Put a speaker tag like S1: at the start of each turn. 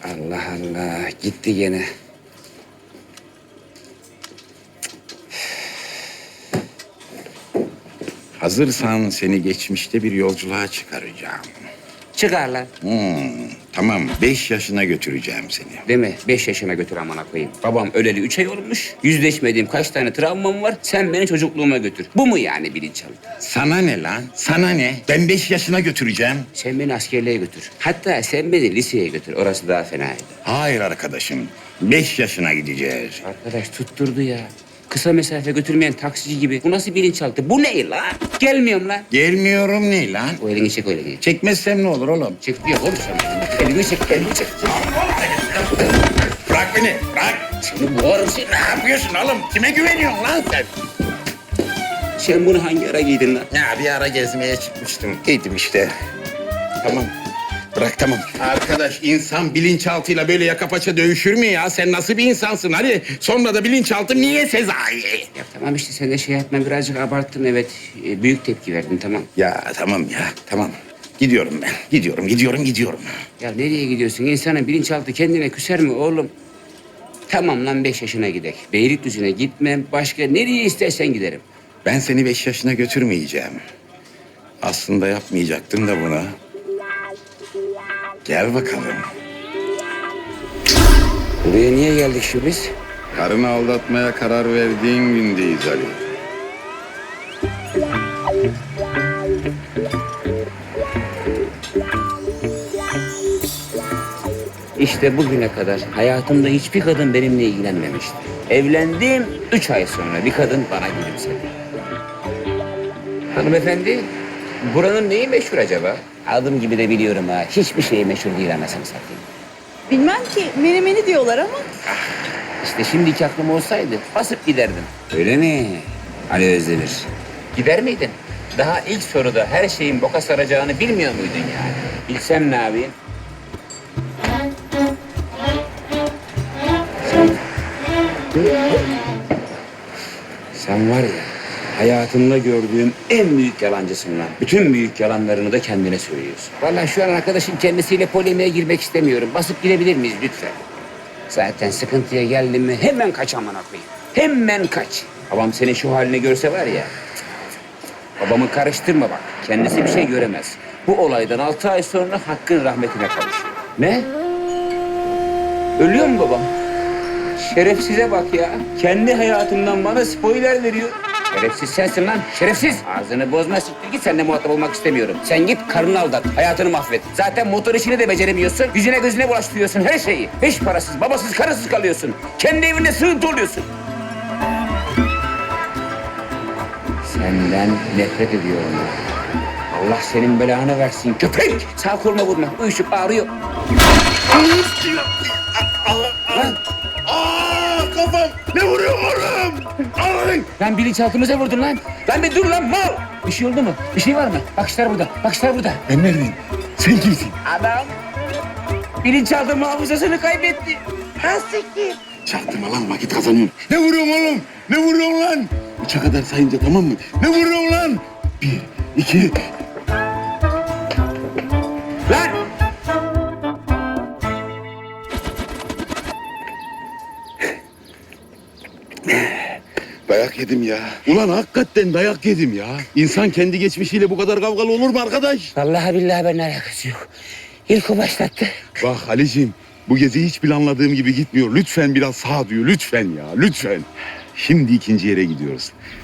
S1: Allah Allah, gitti gene.
S2: Hazırsan seni geçmişte bir yolculuğa çıkaracağım.
S1: Çıkar lan.
S2: Tamam, 5 yaşına götüreceğim seni.
S1: Değil mi? 5 yaşına götür amına koyayım. Babam öleli 3 ay olmuş. Yüzleşmediğim kaç tane travmam var. Sen beni çocukluğuma götür. Bu mu yani bilinçaltı?
S2: Sana ne lan? Sana ne? Ben 5 yaşına götüreceğim.
S1: Sen beni askerliğe götür. Hatta sen beni liseye götür. Orası daha fenaydı.
S2: Hayır arkadaşım, 5 yaşına gideceğiz.
S1: Arkadaş tutturdu ya. Kısa mesafe götürmeyen taksici gibi. Bu nasıl bilinçaltı? Bu ne lan? Gelmiyorum lan.
S2: Gelmiyorum ne lan?
S1: O elini çek, o elini.
S2: Çekmezsem ne olur oğlum?
S1: Çek diyor oğlum sen. Elini çek, elini çek.
S2: Bırak beni, bırak.
S1: Seni boğarım seni.
S2: Ne yapıyorsun oğlum? Kime güveniyorsun lan sen?
S1: Sen bunu hangi ara giydin lan?
S2: Ya bir ara gezmeye çıkmıştım. Giydim işte. Tamam. Bırak tamam. Arkadaş insan bilinçaltıyla böyle yaka paça dövüşür mü ya? Sen nasıl bir insansın? Hadi sonra da bilinçaltı niye Sezai?
S1: Ya tamam işte sen de şey yapma, birazcık abarttın evet. Büyük tepki verdin tamam.
S2: Ya tamam ya tamam. Gidiyorum ben. Gidiyorum.
S1: Ya nereye gidiyorsun? İnsanın bilinçaltı kendine küser mi oğlum? Tamam lan 5 yaşına gidek. Beylikdüzü'ne gitmem. Başka nereye istersen giderim.
S2: Ben seni 5 yaşına götürmeyeceğim. Aslında yapmayacaktım da bunu. Gel bakalım.
S1: Buraya niye geldik şu biz?
S2: Karını aldatmaya karar verdiğin gündeyiz Ali.
S1: İşte bugüne kadar hayatımda hiçbir kadın benimle ilgilenmemişti. Evlendim 3 ay sonra bir kadın bana gülümsedi. Hanımefendi, buranın neyi meşhur acaba? Adım gibi de biliyorum ha. Hiçbir şey meşhur değil anasını satayım.
S3: Bilmem ki menemeni diyorlar ama.
S1: İşte şimdiki aklım olsaydı basıp giderdim. Öyle mi? Ali Özdemir. Gider miydin? Daha ilk soruda her şeyin boka saracağını bilmiyor muydun yani? Bilsem ne yapayım? Sen var ya, hayatımda gördüğüm en büyük yalancısın lan. Bütün büyük yalanlarını da kendine söylüyorsun. Vallahi şu an arkadaşın kendisiyle polemiğe girmek istemiyorum. Basıp gidebilir miyiz lütfen? Zaten sıkıntıya geldim mi hemen kaç amına koyayım. Hemen kaç. Babam senin şu halini görse var ya. Babamı karıştırma bak. Kendisi bir şey göremez. Bu olaydan 6 ay sonra Hakk'ın rahmetine kavuşuyor. Ne? Ölüyor mu babam? Şerefsize bak ya. Kendi hayatımdan bana spoiler veriyor. Şerefsiz sensin lan, şerefsiz. Ağzını bozma, siktir git, seninle muhatap olmak istemiyorum. Sen git karını aldat, hayatını mahvet. Zaten motor işini de beceremiyorsun. Yüzüne gözüne bulaştırıyorsun her şeyi. Hiç parasız, babasız, karısız kalıyorsun. Kendi evinde sığıntı oluyorsun. Senden nefret ediyorum. Allah senin belanı versin köpek. Sağ koluma vurma, uyuşup ağrıyor. Lan.
S2: Kafam! Ne vuruyor oğlum? Ay!
S1: Lan bilinçaltımıza vurdun lan. Lan bir dur lan mal. Bir şey oldu mu? Bir şey var mı? Bakışlar burada, bakışlar burada.
S2: Ben neredeyim? Sen kimsin?
S1: Adam bilinçaltı hafızasını kaybetti. Hastiktir.
S2: Çaktırma lan vakit kazanıyorum. Ne vuruyorsun oğlum? Ne vuruyorsun lan? 3'e kadar sayınca tamam mı? Ne vuruyorsun lan? 1, 2...
S1: Lan!
S2: Dayak yedim ya. Ulan hakikaten dayak yedim ya. İnsan kendi geçmişiyle bu kadar kavgalı olur mu arkadaş?
S1: Vallahi billahi ben alakası yok. İlk o başlattı.
S2: Bak Ali'ciğim bu gezi hiç planladığım gibi gitmiyor. Lütfen biraz sağduyu lütfen ya lütfen. Şimdi ikinci yere gidiyoruz.